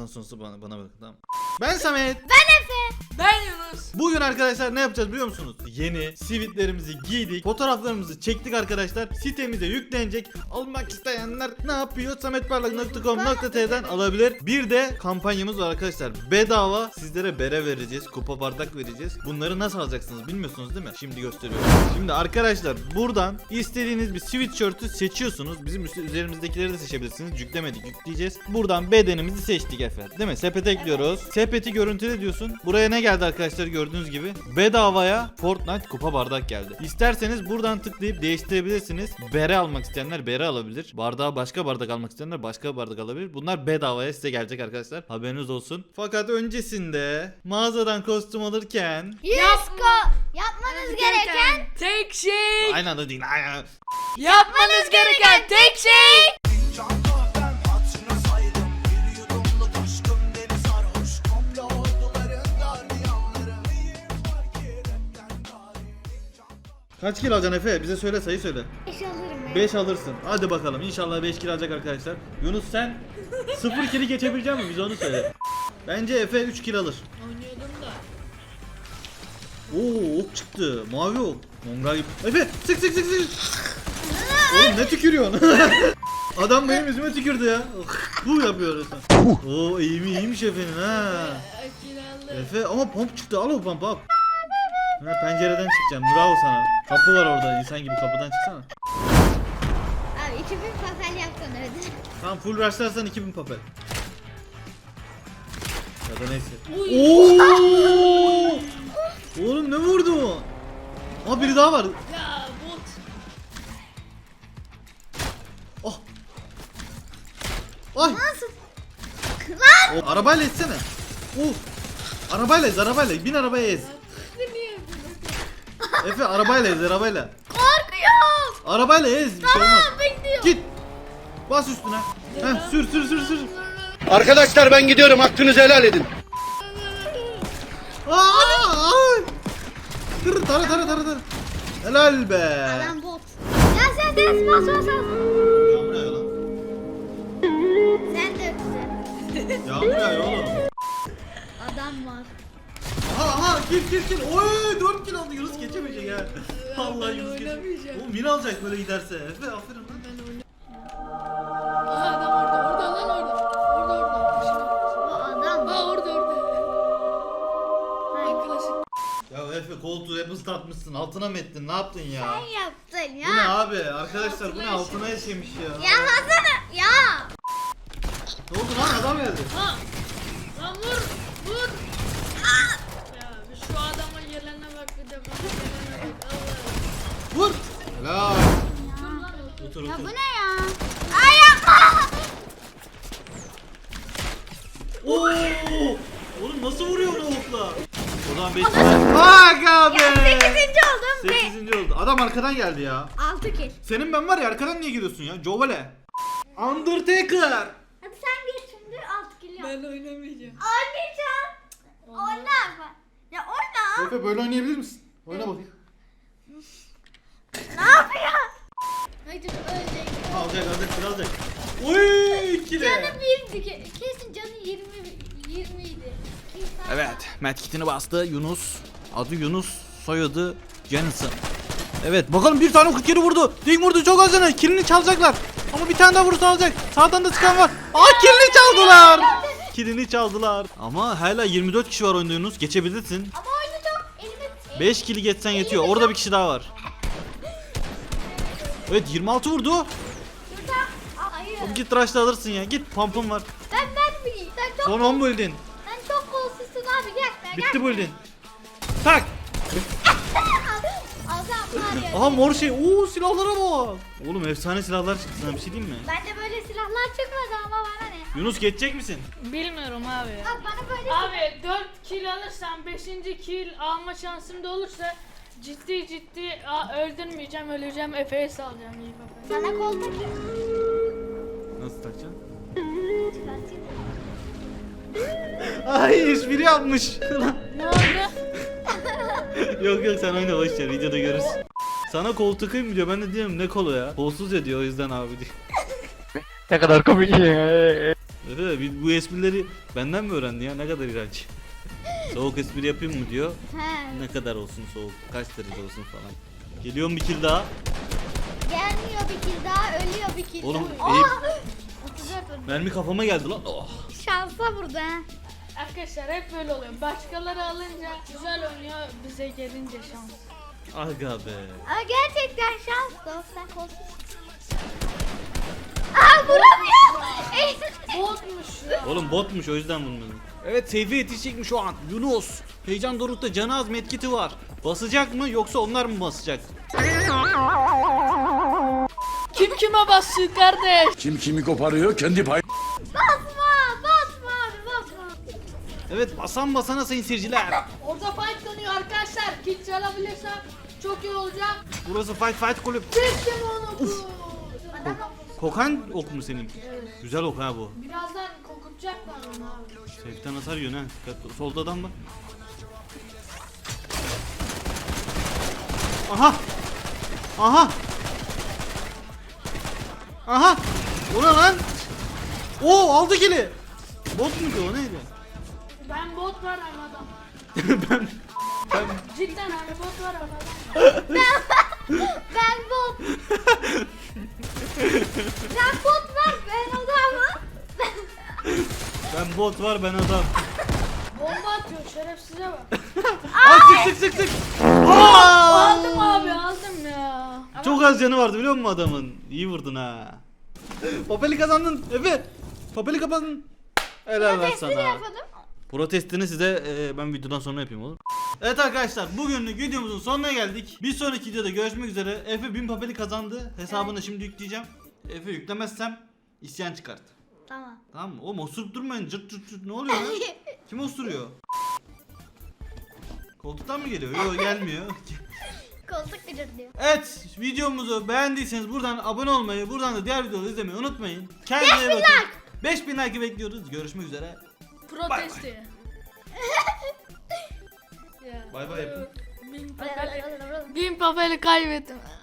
bundan sonrası bana bakın, tamam. Ben Samet. Ben Efe. Ben Yunus. Bugün arkadaşlar ne yapacağız biliyor musunuz? Yeni sivitlerimizi giydik. Fotoğraflarımızı çektik arkadaşlar. Sitemize yüklenecek. Almak isteyenler ne yapıyor? sametparlak.com.tr'den alabilir. Bir de kampanyamız var arkadaşlar. Bedava sizlere bere vereceğiz. Kupa bardak vereceğiz. Bunları nasıl alacaksınız bilmiyorsunuz değil mi? Şimdi gösteriyorum. Şimdi arkadaşlar buradan istediğiniz bir sweatshirt'ü seçiyorsunuz. Bizim üzerimizdekileri de seçebilirsiniz. Yüklemedik, yükleyeceğiz. Buradan bedenimizi seçtik efendim. Değil mi? Sepete ekliyoruz. Sepeti görüntüle diyorsun. Buraya ne geldi arkadaşlar gördüğünüz gibi? Bedavaya Fortnite kupa bardak geldi. İsterseniz buradan tıklayıp değiştirebilirsiniz. Bere almak isteyenler bere alabilir. Bardağa başka bardak almak isteyenler başka bardak alabilir. Bunlar bedavaya size gelecek arkadaşlar. Haberiniz olsun. Fakat öncesinde mağazadan kostüm alırken Yapmanız gereken tek şey. aynı anda değil. Aynen. Yapmanız gereken tek şey. Kaç kilo alacaksın Efe? Bize söyle, sayı söyle. 5 alırım ben. 5 5 alırsın. Hadi bakalım. İnşallah 5 kilo alacak arkadaşlar. Yunus sen 0 kilo geçebilecek misin? Bize onu söyle. Bence Efe 3 kilo alır. Oynuyordum da. Oo, ok çıktı. Mavi ok. Mongal gibi. Efe sık sık sık sık. Oğlum ne tükürüyorsun? Adam benim yüzüme tükürdü ya. Bu yapıyor sen. Oo iyiymiş Efe'nin ha. Akılalım. Efe ama pomp çıktı. Al o pomp al. Ha, pencereden çıkacağım. Bravo sana. Kapı var orada. İnsan gibi kapıdan çıksana. Abi 2000 papel yaktın öyle. Tamam full rushlarsan 2000 papel. Ya da neyse. Uy. Oo! Oğlum ne vurdu? Aa biri daha var. Ya bot. Oh. Ay. Nasıl? O, arabayla etsene. Arabayla ez, arabayla. Bin arabaya ez. Efe arabayla ez, arabayla. Korkuyorum. Arabayla ez, bir şey olmaz. Bekliyorum. Git. Bas üstüne. Heh, sür. Arkadaşlar ben gidiyorum, hakkınızı helal edin. Ay. Tır tara. Helal be. Adam bot. Sen bas. Yağmur yağıyor lan. Sen de öpsün. Yağmur yağıyor oğlum. Adam var. Aha kill. Oy 4 kill aldı. Yunus geçemeyecek ya. Allah Yunus geçemeyecek. oynamayacağım. Oğlum min alacak böyle giderse. Efe aferin lan. Aha adam orada lan orada. Bu adam. Ha orada. Hayır. Klasik. Ya Efe koltuğu hep ıslatmışsın. Altına mı ettin? Ne yaptın ya? Sen yaptın ya. Bu ne abi? Arkadaşlar bu ne? Altına yaşamış ya. Ya Hasan ya. Ne oldu lan? Adam geldi. Ha. Lan vur. Ya bir şu adama gelene bak bir de bana gelene bak. Allah. Vur. Helal. Otur Ya bu otur. ne ya? Ay yapma. Oo! Oğlum nasıl vuruyor onu okla? O zaman 5 Aga be. 8. oldum ve 8. oldu. Adam arkadan geldi ya. 6 kill. Senin ben var ya arkadan niye giriyorsun ya? Jovale. Undertaker. Hadi sen geç şimdi 6 kill yap. Ben oynamayacağım. Oynayacağım. Oyna. Ya oyna. Efe böyle oynayabilir misin? Oyna bakayım. Ne yapıyor? Haydi ölecek. Alacak. Oy ikili. Canı 1'di. Kesin canı 20 idi. Evet, medkitini bastı Yunus. Adı Yunus, soyadı Jensen. Evet, bakalım bir tane 47 vurdu. Dik vurdu çok az canı. Kilini çalacaklar. Ama bir tane daha vurursa alacak. Sağdan da çıkan var. Kilini çaldılar. Kilini çaldılar. Ama hala 24 kişi var oyunda Yunus. Geçebilirsin. Ama oyunu çok elime 5 kili geçsen yetiyor. Orada bir kişi daha var. Evet 26 vurdu. şurada. Hayır. Oğlum git rush'la alırsın ya. Git pump'ın var. Ben bileyim. Sen çok Son 10 buildin. sen çok kolsuzsun abi gel. Bitti buildin. Tak. Adam var ya. Aha mor şey. Oo silahlara bak. Oğlum efsane silahlar çıktı sana bir şey diyeyim mi? Bende böyle silahlar çıkmadı ama bana ne? Yunus geçecek misin? Bilmiyorum abi. Bak bana böyle Abi 4 kill alırsam 5. kill alma şansım da olursa ciddi öldürmeyeceğim, öleceğim, Efe'ye salacağım iyi bak. sana kol takayım. Nasıl takacaksın? Çıkartayım. Ay espri yapmış. Ne oldu? Yok sen oyna boşver videoda görürsün. Sana kol takayım mı diyor, ben de diyorum ne kolu ya. Kolsuz ya diyor, o yüzden abi diyor. Ne kadar komik ya. Evet, bu esprileri benden mi öğrendi ya? Ne kadar iğrenç. Soğuk espri yapayım mı diyor. He. Ne kadar olsun soğuk, kaç derece olsun falan. Geliyor mu bir kill daha? Gelmiyor bir kill daha, ölüyor bir kill. Oğlum, daha. Eyüp. 34 öldü. Mermi kafama geldi lan. Oh. Şansa vurdu ha. Arkadaşlar hep böyle oluyor. Başkaları alınca güzel oynuyor, bize gelince şans. Aga be. Ama gerçekten şans da sen kolsuz. Aa vuramıyor. Botmuş ya. Oğlum botmuş, o yüzden vurmadım. Evet, Seyfi yetişecek şu an. Yunus. Heyecan dorukta, canı az, medkiti var. Basacak mı yoksa onlar mı basacak? Kim kime bassın kardeş? Kim kimi koparıyor kendi pay. Basma abi basma. Evet, basan basana sayın seyirciler. Orada fight dönüyor arkadaşlar. Kill çalabilirsem çok iyi olacak. Burası fight kulüp. Çektim onu. Adam Kokan ok mu senin? Evet. Güzel ok ha bu. Birazdan kokutacaklar onu abi. Seyften hasar yiyorsun ha. Dikkatli. Solda adam var. Aha! Aha! Aha! O ne lan? Oo, aldı kili. Bot muydu o, neydi? Ben bot var ama adam. ben Cidden hani bot var ama adam. ben bot. Sen bot var ben adamım. ben bot var, ben adam. Bomba atıyor şerefsize bak. Aa, sık. Aa! Aldım abi aldım ya. Ama Çok az canı vardı biliyor musun adamın? İyi vurdun ha. Papeli kazandın Efe. Papeli kazandın. Helal lan Testini sana. yapalım. Protestini size ben videodan sonra yapayım olur. Evet arkadaşlar, bugünlük videomuzun sonuna geldik. Bir sonraki videoda görüşmek üzere. Efe 1000 papeli kazandı. Hesabını şimdi yükleyeceğim. Efe yüklemezsem isyan çıkart. Tamam. Tamam mı? Oğlum osurup durmayın. Cırt cırt cırt. Ne oluyor lan? Kim osuruyor? Koltuktan mı geliyor? Yok, gelmiyor. Koltuk gıcırdıyor. Evet, videomuzu beğendiyseniz buradan abone olmayı, buradan da diğer videoları izlemeyi unutmayın. Kendinize 5000 bakın. 5000 like bekliyoruz. Görüşmek üzere. protesti. Ya. Bay bay yapın. 1000 papeli kaybettim.